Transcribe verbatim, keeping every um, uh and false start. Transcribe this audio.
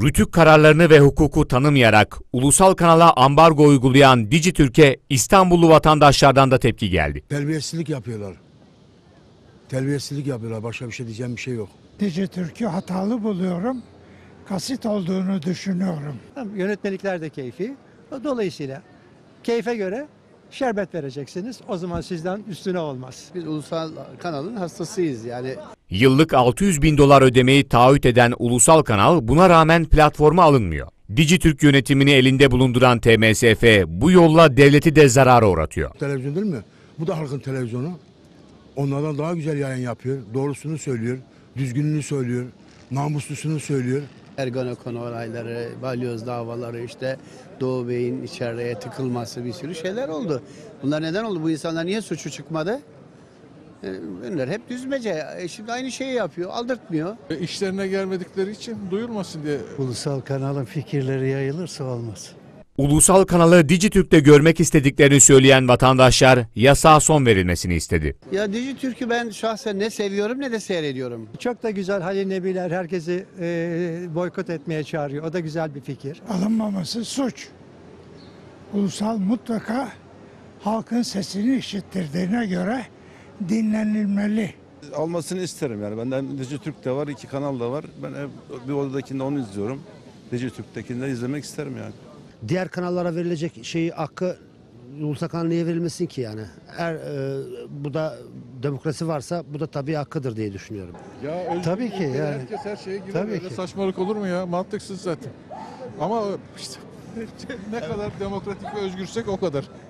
Rütük kararlarını ve hukuku tanımayarak ulusal kanala ambargo uygulayan Dijitürk'e İstanbullu vatandaşlardan da tepki geldi. Terbiyesizlik yapıyorlar. Terbiyesizlik yapıyorlar. Başka bir şey diyeceğim bir şey yok. Dijitürk'ü hatalı buluyorum. Kasit olduğunu düşünüyorum. Yönetmelikler de keyfi. Dolayısıyla keyfe göre şerbet vereceksiniz. O zaman sizden üstüne olmaz. Biz ulusal kanalın hastasıyız yani. Yıllık altı yüz bin dolar ödemeyi taahhüt eden ulusal kanal buna rağmen platforma alınmıyor. Dijitürk yönetimini elinde bulunduran T M S F bu yolla devleti de zarara uğratıyor. Televizyon değil mi? Bu da halkın televizyonu. Onlardan daha güzel yayın yapıyor. Doğrusunu söylüyor. Düzgününü söylüyor. Namuslusunu söylüyor. Ergenekon olayları, balyoz davaları, işte Doğu Bey'in içeriye tıkılması, bir sürü şeyler oldu. Bunlar neden oldu? Bu insanlar niye suçu çıkmadı? Bunlar hep düzmece. E şimdi aynı şeyi yapıyor, aldırtmıyor. İşlerine gelmedikleri için duyulmasın diye. Ulusal kanalın fikirleri yayılırsa olmaz. Ulusal kanalı Dijitürk'te görmek istediklerini söyleyen vatandaşlar yasağa son verilmesini istedi. Ya Dijitürk'ü ben şahsen ne seviyorum ne de seyrediyorum. Çok da güzel Halil Nebiler herkesi e, boykot etmeye çağırıyor. O da güzel bir fikir. Alınmaması suç. Ulusal mutlaka halkın sesini işittirdiğine göre dinlenilmeli. Almasını isterim yani. Benden Dijitürk de var, iki kanal da var. Ben bir odadakinde onu izliyorum. Dijitürk'tekini de izlemek isterim yani. Diğer kanallara verilecek şeyi hakkı ulusal kanala niye verilmesin ki yani? Eğer e, bu da demokrasi varsa bu da tabii hakkıdır diye düşünüyorum. Ya özgür Tabii ki ülkede yani. herkes her şeye girer. Tabii Öyle ki. saçmalık olur mu ya? Mantıksız zaten. Ama işte ne kadar demokratik ve özgürsek o kadar.